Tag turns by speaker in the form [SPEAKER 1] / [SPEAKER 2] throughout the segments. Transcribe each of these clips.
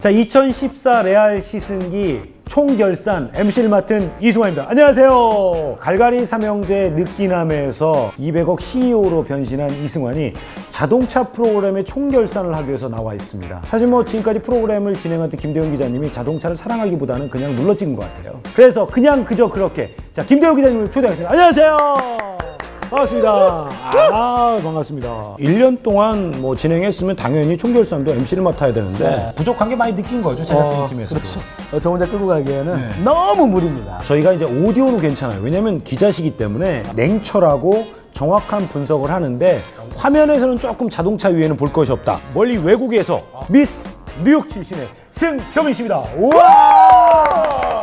[SPEAKER 1] 자, 2014 레알 시승기 총결산 MC를 맡은 이승환입니다. 안녕하세요. 갈갈이 삼형제 느끼남에서 200억 CEO로 변신한 이승환이 자동차 프로그램의 총결산을 하기 위해서 나와 있습니다. 사실 뭐 지금까지 프로그램을 진행했던 김대훈 기자님이 자동차를 사랑하기보다는 그냥 눌러 찍은 것 같아요. 그래서 그냥 그저 그렇게 자, 김대훈 기자님을 초대하겠습니다. 안녕하세요. 반갑습니다. 반갑습니다. 1년 동안 뭐 진행했으면 당연히 총결산도 MC를 맡아야 되는데 부족한 게 많이 느낀 거죠, 제작진 팀에서.
[SPEAKER 2] 그렇죠. 저 혼자 끌고 가기에는 너무 무리입니다.
[SPEAKER 1] 저희가 이제 오디오는 괜찮아요. 왜냐면 기자시기 때문에 냉철하고 정확한 분석을 하는데 화면에서는 조금 자동차 위에는 볼 것이 없다. 멀리 외국에서 미스 뉴욕 출신의 승효빈 씨입니다. 우와!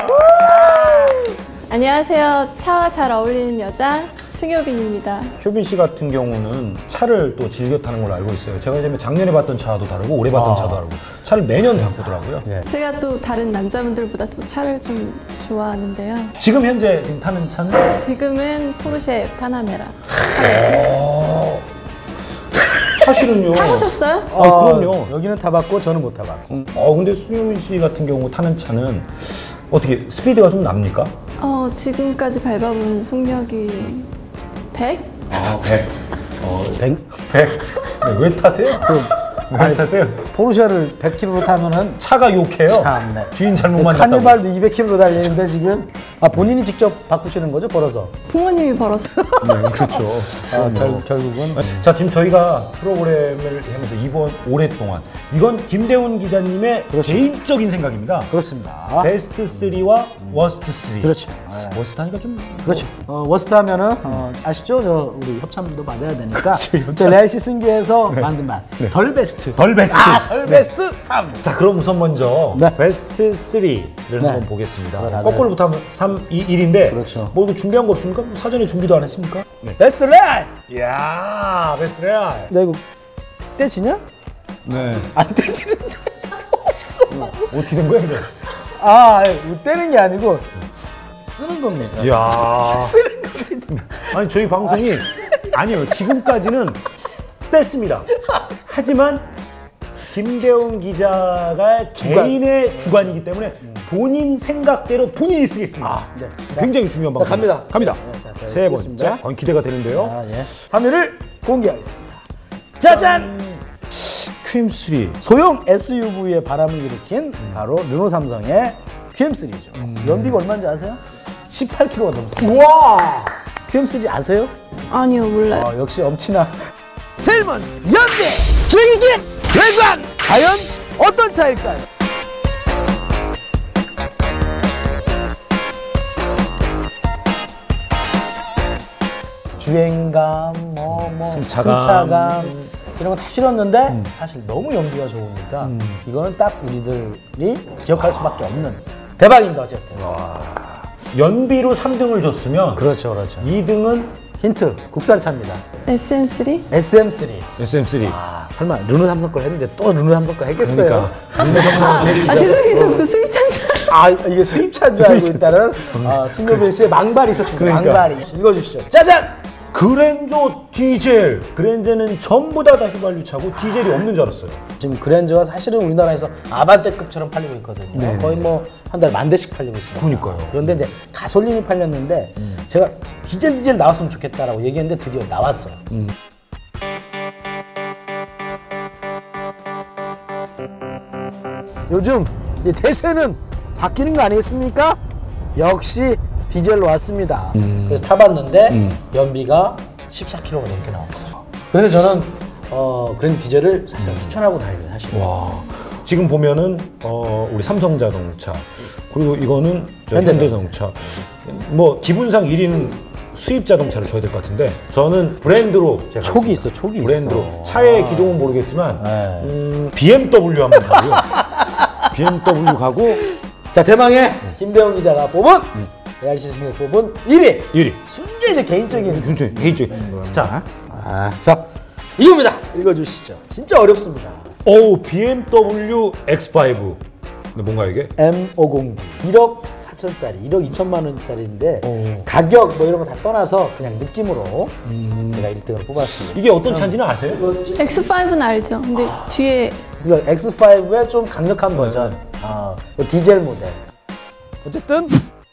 [SPEAKER 3] 안녕하세요. 차와 잘 어울리는 여자 승효빈입니다.
[SPEAKER 1] 효빈 씨 같은 경우는 차를 또 즐겨 타는 걸로 알고 있어요. 제가 이제 작년에 봤던 차도 다르고 올해 봤던 차도 다르고 차를 매년 바꾸더라고요.
[SPEAKER 3] 제가 또 다른 남자분들보다 또 차를 좀 좋아하는데요.
[SPEAKER 1] 지금 현재 타는 차는?
[SPEAKER 3] 지금은 포르쉐 파나메라.
[SPEAKER 1] 사실은요.
[SPEAKER 3] 타보셨어요?
[SPEAKER 1] 그럼요.
[SPEAKER 2] 여기는 타봤고 저는 못 타봤고.
[SPEAKER 1] 근데 승효빈 씨 같은 경우 타는 차는 어떻게 스피드가 좀 납니까?
[SPEAKER 3] 지금까지 밟아본 속력이 100?
[SPEAKER 1] 100.
[SPEAKER 2] 100?
[SPEAKER 1] 네, 왜 타세요? 왜 타세요?
[SPEAKER 2] 포르쉐를 100km로 타면은
[SPEAKER 1] 차가 욕해요.
[SPEAKER 2] 참네.
[SPEAKER 1] 주인 잘못 만났다고.
[SPEAKER 2] 카니발도 200km로 달리는데 지금 본인이 직접 바꾸시는 거죠, 벌어서?
[SPEAKER 3] 부모님이 벌어서.
[SPEAKER 1] 네, 그렇죠.
[SPEAKER 2] 결국은.
[SPEAKER 1] 자, 지금 저희가 프로그램을 하면서 올해 동안 이건 김대훈 기자님의 개인적인 생각입니다.
[SPEAKER 2] 그렇습니다.
[SPEAKER 1] 베스트 3와 워스트 3.
[SPEAKER 2] 그렇죠.
[SPEAKER 1] 워스트 하니까 좀
[SPEAKER 2] 그렇죠. 워스트 하면은 아시죠? 우리 협찬도 받아야 되니까.
[SPEAKER 1] 협찬.
[SPEAKER 2] 레알 시승기에서 만든 말. 덜 베스트.
[SPEAKER 1] 덜 베스트.
[SPEAKER 2] 덜 베스트 3.
[SPEAKER 1] 자, 그럼 우선 먼저 베스트 3를 한번 보겠습니다. 거꾸로부터 하면 3, 2, 1인데
[SPEAKER 2] 그렇죠.
[SPEAKER 1] 뭐 이거 준비한 거 없습니까? 뭐 사전에 준비도 안 했습니까?
[SPEAKER 2] 베스트 레알!
[SPEAKER 1] 이야, 베스트 레알.
[SPEAKER 2] 나 이거 떼지냐?
[SPEAKER 1] 네.
[SPEAKER 2] 안 떼지는데.
[SPEAKER 1] 어떻게 된 거야, 이거?
[SPEAKER 2] 떼는 게 아니고 쓰는 겁니다.
[SPEAKER 1] 이야. 쓰는 겁니다. 아니, 저희 방송이 아니요. 지금까지는 뗐습니다. 하지만 김대훈 기자가 개인의 주관이기 때문에 본인 생각대로 본인이 쓰겠습니다.
[SPEAKER 2] 네.
[SPEAKER 1] 굉장히 중요한 방송.
[SPEAKER 2] 갑니다.
[SPEAKER 1] 갑니다.
[SPEAKER 2] 자,
[SPEAKER 1] 세 번째. 기대가 되는데요.
[SPEAKER 2] 3위를 공개하겠습니다. 짜잔!
[SPEAKER 1] QM3.
[SPEAKER 2] 소형 SUV의 바람을 일으킨 바로 르노 삼성의 QM3죠. 연비가 얼마인지 아세요? 18km가 넘습니다.
[SPEAKER 1] 우와!
[SPEAKER 2] QM3 아세요?
[SPEAKER 3] 아니요, 몰라요.
[SPEAKER 2] 역시 엄친아. 제일 먼저 연비, 즐기기, 외관! 과연 어떤 차일까요? 주행감, 승차감 이런 거 다 실었는데 사실 너무 연비가 좋으니까 이거는 딱 우리들이 기억할 수밖에 없는 대박입니다. 어쨌든.
[SPEAKER 1] 연비로 3등을 줬으면
[SPEAKER 2] 그렇죠.
[SPEAKER 1] 2등은
[SPEAKER 2] 힌트, 국산차입니다.
[SPEAKER 3] SM3?
[SPEAKER 2] SM3.
[SPEAKER 1] SM3.
[SPEAKER 2] 설마 르노 삼성 걸 했는데 또 르노 삼성 걸 했겠어요?
[SPEAKER 3] 죄송해요. 저 수입차인 줄
[SPEAKER 2] 이게 수입차인 줄 알고 있다는 승효빈 씨의 망발이 있었습니다. 망발이. 읽어주시죠. 짜잔!
[SPEAKER 1] 그랜저 디젤. 그랜저는 전부 다 휘발유차고 디젤이 없는 줄 알았어요.
[SPEAKER 2] 지금 그랜저가 사실은 우리나라에서 아반떼급처럼 팔리고 있거든요. 거의 뭐 한 달 10,000대씩 팔리고 있습니다.
[SPEAKER 1] 그러니까요.
[SPEAKER 2] 그런데 이제 가솔린이 팔렸는데 제가 디젤 나왔으면 좋겠다라고 얘기했는데 드디어 나왔어요. 요즘 이 대세는 바뀌는 거 아니겠습니까? 역시 디젤로 왔습니다. 그래서 타봤는데 연비가 14km가 넘게 나온 거죠. 그래서 저는 그랜 디젤을 사실 추천하고 다닙니다. 사실.
[SPEAKER 1] 와. 지금 보면은 우리 삼성자동차 그리고 이거는 현대자동차. 뭐 기분상 1위는 수입 자동차를 줘야 될 것 같은데 저는 브랜드로 제가
[SPEAKER 2] 촉이 있어, 촉이
[SPEAKER 1] 브랜드로.
[SPEAKER 2] 있어.
[SPEAKER 1] 차의 기종은 모르겠지만 BMW 한번 가고요. BMW 가고.
[SPEAKER 2] 자, 대망의 김대훈 기자가 뽑은 레알 시승을 뽑은 1위. 순전히 이제 개인적인.
[SPEAKER 1] 자,
[SPEAKER 2] 자, 이겁니다. 읽어주시죠. 진짜 어렵습니다.
[SPEAKER 1] BMW X5. 근데 뭔가 이게?
[SPEAKER 2] M509. 1억 4천짜리, 1억 2천만 원짜리인데 가격 뭐 이런 거 다 떠나서 그냥 느낌으로 제가 1등을 뽑았습니다.
[SPEAKER 1] 이게 어떤 차인지는 아세요?
[SPEAKER 3] X5는 알죠. 근데 뒤에
[SPEAKER 2] 그러니까 X5의 좀 강력한 버전. 디젤 모델. 어쨌든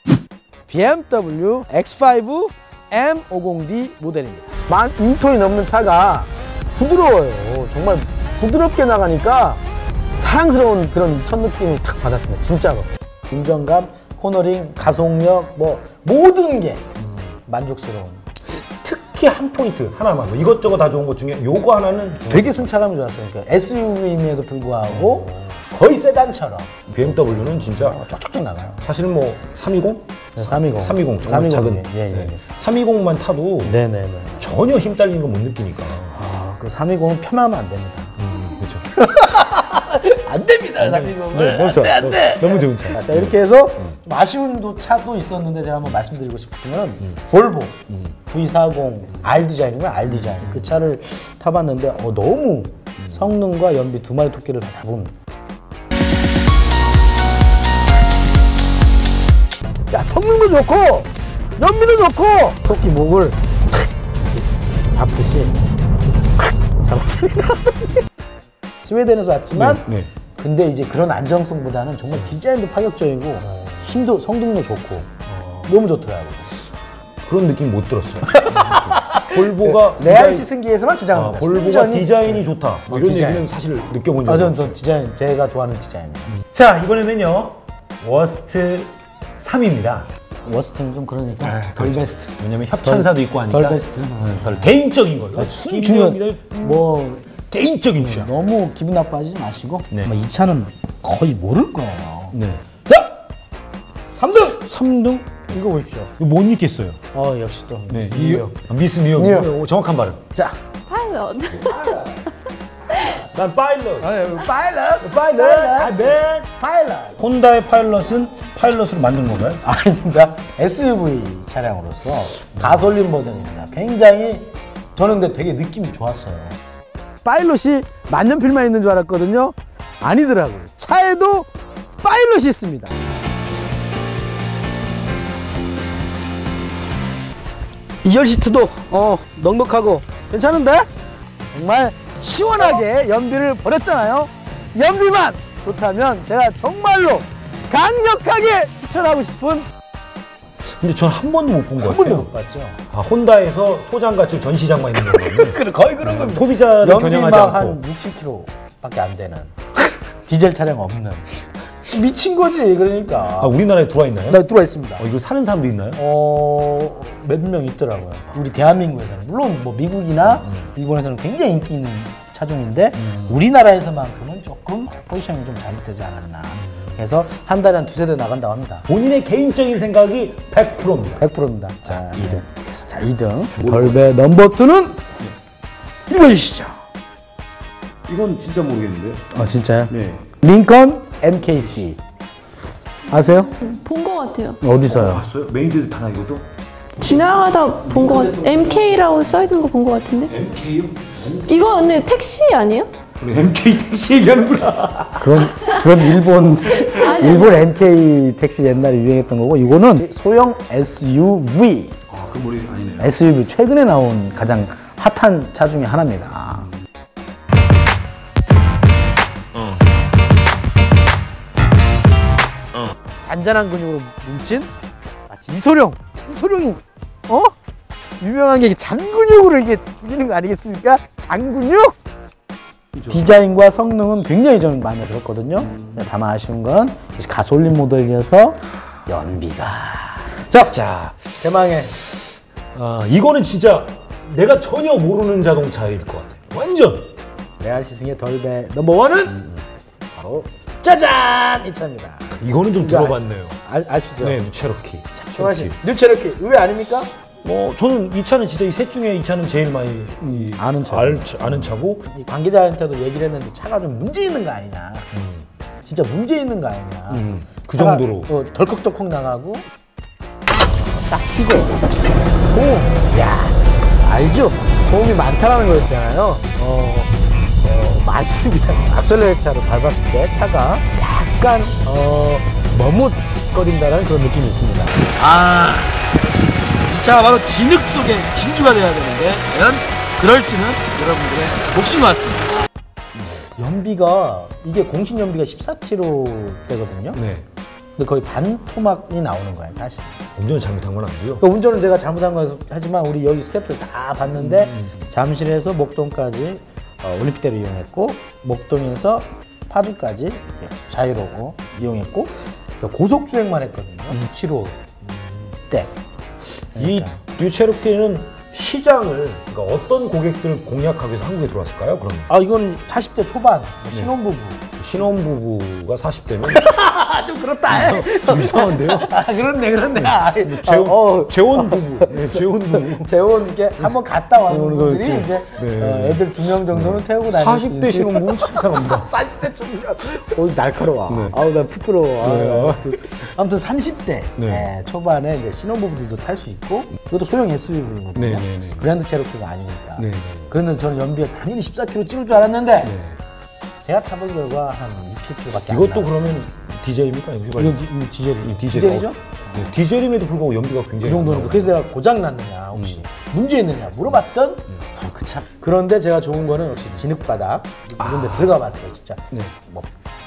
[SPEAKER 2] BMW X5 M50D 모델입니다. 12톤이 넘는 차가 부드러워요. 정말 부드럽게 나가니까 사랑스러운 그런 첫 느낌을 딱 받았습니다. 진짜로. 운전감, 코너링, 가속력, 뭐 모든 게 만족스러운.
[SPEAKER 1] 특히 한 포인트 하나만, 뭐 이것저것 다 좋은 것 중에 요거 하나는
[SPEAKER 2] 되게 승차감이 좋았어요. 그러니까 SUV임에도 불구하고 거의 세단처럼
[SPEAKER 1] BMW는 진짜
[SPEAKER 2] 쪽쪽쪽 나가요.
[SPEAKER 1] 사실 뭐 320?
[SPEAKER 2] 네, 320.
[SPEAKER 1] 320 정말
[SPEAKER 2] 320,
[SPEAKER 1] 작은.
[SPEAKER 2] 예.
[SPEAKER 1] 320만 타도
[SPEAKER 2] 네네네.
[SPEAKER 1] 전혀 힘 딸리는 거 못 느끼니까.
[SPEAKER 2] 그 320은 편하면 안 됩니다.
[SPEAKER 1] 그렇죠.
[SPEAKER 2] 안 됩니다, 320은.
[SPEAKER 1] 너무 좋아.
[SPEAKER 2] 안 돼.
[SPEAKER 1] 너무 좋은 차.
[SPEAKER 2] 자, 이렇게 해서 좀 아쉬운 차도 있었는데 제가 한번 말씀드리고 싶은 건 볼보 V40 R 디자인이구나, R 디자인. 그 차를 타봤는데 너무 성능과 연비 두 마리 토끼를 다 잡은. 야, 성능도 좋고 연비도 좋고 토끼 목을 잡듯이 잡았습니다. 스웨덴에서 왔지만
[SPEAKER 1] 네.
[SPEAKER 2] 근데 이제 그런 안정성보다는 정말 디자인도 파격적이고 힘도 성능도 좋고 너무 좋더라고요.
[SPEAKER 1] 그런 느낌 못 들었어요. 볼보가
[SPEAKER 2] 레알 시승기에서만 주장합니다.
[SPEAKER 1] 볼보가 디자인이 좋다. 뭐 이런
[SPEAKER 2] 디자인.
[SPEAKER 1] 얘기는 사실 느껴본 적이 없어요.
[SPEAKER 2] 전 디자인 제가 좋아하는 디자인이에요.
[SPEAKER 1] 자, 이번에는요. 워스트 3입니다.
[SPEAKER 2] 워스트는 좀 그러니까 덜 베스트.
[SPEAKER 1] 왜냐면 협찬사도 있고 하니까
[SPEAKER 2] 덜 베스트.
[SPEAKER 1] 덜 개인적인 걸로.
[SPEAKER 2] 중요한 뭐
[SPEAKER 1] 개인적인 취향.
[SPEAKER 2] 너무 기분 나빠지지 마시고
[SPEAKER 1] 네.
[SPEAKER 2] 아마 이 차는 거의 모를 거예요.
[SPEAKER 1] 네.
[SPEAKER 2] 자, 3등!
[SPEAKER 1] 3등?
[SPEAKER 2] 이거 보십시오.
[SPEAKER 1] 이거 못 읽겠어요.
[SPEAKER 2] 역시 또
[SPEAKER 1] 네.
[SPEAKER 2] 미스 뉴욕.
[SPEAKER 1] 미스 뉴욕.
[SPEAKER 2] 뉴욕.
[SPEAKER 1] 정확한 발음.
[SPEAKER 2] 자,
[SPEAKER 3] 파일럿.
[SPEAKER 1] 난 파일럿.
[SPEAKER 2] 파일럿!
[SPEAKER 1] 파일럿.
[SPEAKER 2] 파일럿!
[SPEAKER 1] 혼다의 파일럿은 파일럿으로 만든 건가요?
[SPEAKER 2] 아닙니다. SUV 차량으로서 가솔린 버전입니다. 굉장히 저는 근데 되게 느낌이 좋았어요. 파일럿이 만년필만 있는 줄 알았거든요. 아니더라고요. 차에도 파일럿이 있습니다. 2열 시트도 넉넉하고 괜찮은데? 정말 시원하게 연비를 버렸잖아요. 연비만 좋다면 제가 정말로 강력하게 추천하고 싶은
[SPEAKER 1] 근데 전 한 번도 못 본 것
[SPEAKER 2] 한
[SPEAKER 1] 같아요.
[SPEAKER 2] 번도 못 봤죠.
[SPEAKER 1] 혼다에서 소장가출 전시장만 있는 거거든요.
[SPEAKER 2] 거의 그런 겁니다.
[SPEAKER 1] 소비자를 겨냥하지
[SPEAKER 2] 연비만
[SPEAKER 1] 않고.
[SPEAKER 2] 한 6-7km밖에 안 되는 디젤 차량 없는 미친 거지. 그러니까
[SPEAKER 1] 우리나라에 들어와 있나요?
[SPEAKER 2] 나 들어와 있습니다.
[SPEAKER 1] 이거 사는 사람도 있나요?
[SPEAKER 2] 몇 명 있더라고요. 우리 대한민국에서는 물론 뭐 미국이나 일본에서는 굉장히 인기 있는 차종인데 우리나라에서만큼은 조금 포지션이 좀 잘못되지 않았나. 그래서 한 달에 한 두세 대 나간다고 합니다.
[SPEAKER 1] 본인의 개인적인 생각이 100%입니다.
[SPEAKER 2] 100%입니다. 자, 2등. 자, 2등. 덜베 넘버 2는 읽어주시죠.
[SPEAKER 1] 이건 진짜 모르겠는데요.
[SPEAKER 2] 진짜요?
[SPEAKER 1] 네.
[SPEAKER 2] 링컨 MKC. 아세요?
[SPEAKER 3] 본 것 같아요.
[SPEAKER 2] 어디서요?
[SPEAKER 1] 봤어요? 메인즈드 타나 이것도?
[SPEAKER 3] 지나가다 본 것 같아요. MK라고 써있는 거 본 것 같은데?
[SPEAKER 1] MK요?
[SPEAKER 3] 이거 근데 택시 아니에요?
[SPEAKER 1] MK 택시 얘기하는구나.
[SPEAKER 2] 그건 일본 MK 택시 옛날에 유행했던 거고, 이거는 소형 SUV.
[SPEAKER 1] 그 머리 아니네요.
[SPEAKER 2] SUV 최근에 나온 가장 핫한 차 중에 하나입니다. 잔잔한 근육으로 뭉친 마치 이소룡이 유명한 게 잔근육으로 이게 죽이는 거 아니겠습니까? 잔근육? 디자인과 성능은 굉장히 저는 마음에 들었거든요. 다만 아쉬운 건 가솔린 모델이어서 연비가
[SPEAKER 1] 자,
[SPEAKER 2] 대망의
[SPEAKER 1] 이거는 진짜 내가 전혀 모르는 자동차일 것 같아요. 완전.
[SPEAKER 2] 레알 시승의 덜베 넘버1은 바로 짜잔! 이 차입니다.
[SPEAKER 1] 이거는 좀 들어봤네요.
[SPEAKER 2] 아시죠?
[SPEAKER 1] 네, 체로키.
[SPEAKER 2] 좋아하시 뉴체로키 의외 아닙니까?
[SPEAKER 1] 저는 이 차는 진짜 이 셋 중에 이 차는 제일 많이
[SPEAKER 2] 아는 차.
[SPEAKER 1] 아는 차고.
[SPEAKER 2] 이 관계자한테도 얘기를 했는데 차가 좀 문제 있는 거 아니냐. 진짜 문제 있는 거 아니냐.
[SPEAKER 1] 그 정도로.
[SPEAKER 2] 덜컥덜컥 나가고 딱 키고 소음. 야, 알죠? 소음이 많다라는 거였잖아요. 많습니다. 악셀레이터를 밟았을 때 차가 약간 머뭇거린다는 그런 느낌이 있습니다.
[SPEAKER 4] 이 차가 바로 진흙 속의 진주가 돼야 되는데 과연 그럴지는 여러분들의 몫인 것 같습니다.
[SPEAKER 2] 연비가 이게 공식 연비가 14km대거든요.
[SPEAKER 1] 네.
[SPEAKER 2] 근데 거의 반 토막이 나오는 거예요, 사실.
[SPEAKER 1] 운전 잘못한 건 아니고요.
[SPEAKER 2] 그러니까 운전은 제가 잘못한 거여서 하지만 우리 여기 스태프들 다 봤는데 잠실에서 목동까지 올림픽대로 이용했고 목동에서 파주까지 자유로고 이용했고 또 고속 주행만 했거든요. 2km대.
[SPEAKER 1] 이 뉴체로키는 시장을 그러니까 어떤 고객들을 공략하기 위해서 한국에 들어왔을까요? 그럼
[SPEAKER 2] 이건 40대 초반 신혼부부.
[SPEAKER 1] 신혼부부가 40대면
[SPEAKER 2] 좀 그렇다.
[SPEAKER 1] 좀 이상한데요?
[SPEAKER 2] 그렇네.
[SPEAKER 1] 재혼 부부. 네, 재혼 부부.
[SPEAKER 2] 재혼 게 한번 갔다 온 분들이
[SPEAKER 1] 그렇지.
[SPEAKER 2] 이제
[SPEAKER 1] 네.
[SPEAKER 2] 애들 2명 정도는 태우고 다니는
[SPEAKER 1] 40대 신혼부부는 참 이상합니다.
[SPEAKER 2] 40대 좀 날카로워.
[SPEAKER 1] 네.
[SPEAKER 2] 아우 나 부끄러워.
[SPEAKER 1] 네.
[SPEAKER 2] 아무튼 30대
[SPEAKER 1] 네.
[SPEAKER 2] 초반에 이제 신혼부부들도 탈 수 있고 이것도 소형 SUV거든요.
[SPEAKER 1] 네.
[SPEAKER 2] 그랜드 체로키가 아니니까.
[SPEAKER 1] 네.
[SPEAKER 2] 그런데 저는 연비가 당연히 14km 찍을 줄 알았는데
[SPEAKER 1] 네.
[SPEAKER 2] 제가 타본 결과 한 60km밖에 안
[SPEAKER 1] 이것도
[SPEAKER 2] 나왔어요.
[SPEAKER 1] 그러면 디젤입니까?
[SPEAKER 2] 이건 디젤이죠?
[SPEAKER 1] 네, 디젤임에도 불구하고 연비가
[SPEAKER 2] 그
[SPEAKER 1] 굉장히
[SPEAKER 2] 정도는
[SPEAKER 1] 많아요.
[SPEAKER 2] 그래서 내가 고장 났느냐 혹시 문제 있느냐 물어봤던 그 차. 그런데 제가 좋은 거는 역시 진흙바닥 이런 데 들어가 봤어요 진짜.
[SPEAKER 1] 네.
[SPEAKER 2] 뭐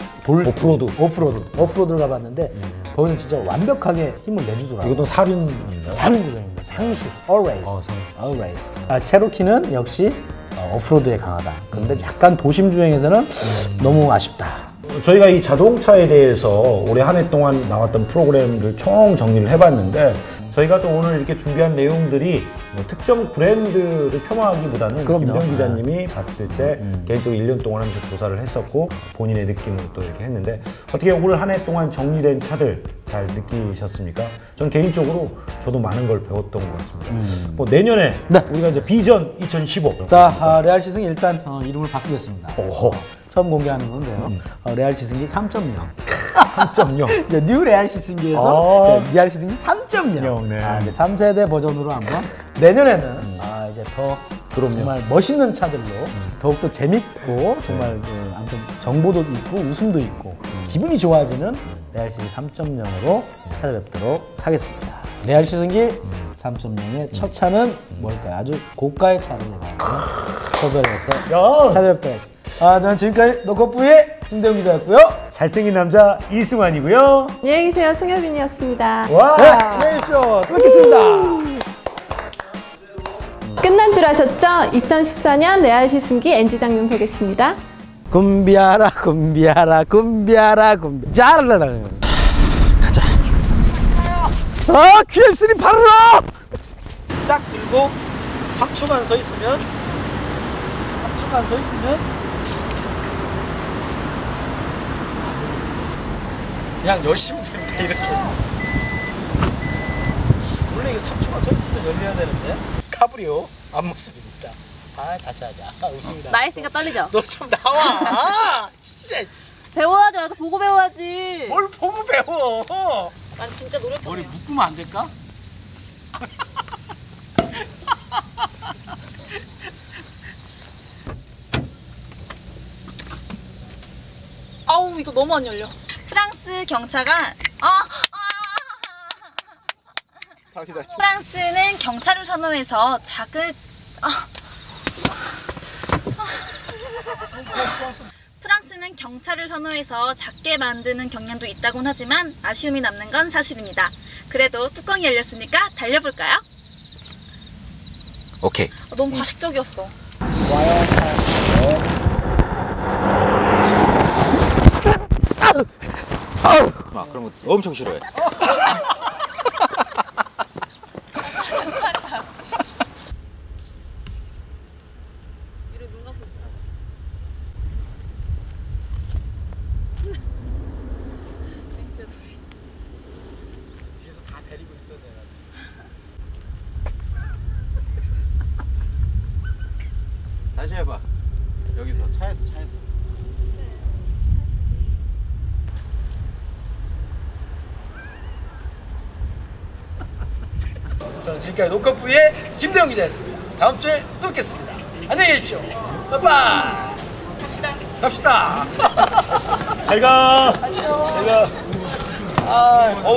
[SPEAKER 1] 오프로드.
[SPEAKER 2] 오프로드를 가봤는데 거기는 진짜 완벽하게 힘을 내주더라고요.
[SPEAKER 1] 이것도 사륜인가요?
[SPEAKER 2] 사륜 구조입니다. 상식, always.
[SPEAKER 1] 상식.
[SPEAKER 2] always. 체로키는 역시 오프로드에 강하다. 그런데 약간 도심 주행에서는 너무 아쉽다.
[SPEAKER 1] 저희가 이 자동차에 대해서 올해 한 해 동안 나왔던 프로그램들 총 정리를 해봤는데 저희가 또 오늘 이렇게 준비한 내용들이 뭐 특정 브랜드를 폄하하기보다는
[SPEAKER 2] 그럼요.
[SPEAKER 1] 김대영 기자님이 봤을 때 개인적으로 1년 동안 하면서 조사를 했었고 본인의 느낌을 또 이렇게 했는데 어떻게 올 한 해 동안 정리된 차들 잘 느끼셨습니까? 저는 개인적으로 저도 많은 걸 배웠던 것 같습니다. 뭐 내년에
[SPEAKER 2] 네.
[SPEAKER 1] 우리가 이제 비전 2015.
[SPEAKER 2] 자, 레알 시승기 일단 이름을 바꾸겠습니다.
[SPEAKER 1] 오호.
[SPEAKER 2] 처음 공개하는 건데요. 레알 시승기 3.0.
[SPEAKER 1] 3.0.
[SPEAKER 2] 뉴 레알 시승기에서 레알 시승기 3.0.
[SPEAKER 1] 네.
[SPEAKER 2] 이제 3세대 버전으로 한번 내년에는 이제 더 정말 멋있는 차들로 더욱더 재밌고 정말 아무튼 정보도 있고 웃음도 있고 기분이 좋아지는 레알 시승기 3.0으로 찾아뵙도록 하겠습니다. 레알 시승기 3.0의 첫 차는 뭘까요? 아주 고가의 차를 제가 소개해서 찾아뵙도록 하겠습니다. 저는 지금까지 노컷부의 김대웅 기자였고요.
[SPEAKER 1] 잘생긴 남자 이승환이고요.
[SPEAKER 3] 안녕히 계세요. 승효빈이었습니다.
[SPEAKER 1] 와.
[SPEAKER 2] 네, 안녕히 계십시오. 또 뵙겠습니다.
[SPEAKER 3] 끝난 줄 아셨죠? 2014년 레알 시승기 NG 장면 보겠습니다.
[SPEAKER 2] 굼비아라 짜라라라. 가자. QM3 바로 딱 들고 3초간 서 있으면 그냥 열심히 들면 돼 이렇게. 원래 이거 3초간 서 있으면 열려야 되는데 카브리오 앞모습입니다. 다시 하자. 웃음이 나.
[SPEAKER 4] 나이스가 떨리죠?
[SPEAKER 2] 너 좀 나와. 진짜.
[SPEAKER 4] 배워야지. 나도 보고 배워야지.
[SPEAKER 2] 뭘 보고 배워.
[SPEAKER 4] 난 진짜 노력해.
[SPEAKER 2] 머리 묶으면 안 될까?
[SPEAKER 4] 아우 이거 너무 안 열려. 프랑스 경차가 프랑스는 경차를 선호해서 프랑스는 경차를 선호해서 작게 만드는 경향도 있다곤 하지만 아쉬움이 남는 건 사실입니다. 그래도 뚜껑이 열렸으니까 달려볼까요?
[SPEAKER 5] 오케이.
[SPEAKER 4] 너무 과식적이었어.
[SPEAKER 5] 그런 거 엄청 싫어해. 다시 해봐. 여기서 차에서.
[SPEAKER 2] 저는 지금까지 노컷부의 김대웅 기자였습니다. 다음 주에 또 뵙겠습니다. 안녕히 계십시오. 빠이빠이. 갑시다.
[SPEAKER 1] 잘 가.
[SPEAKER 2] 아,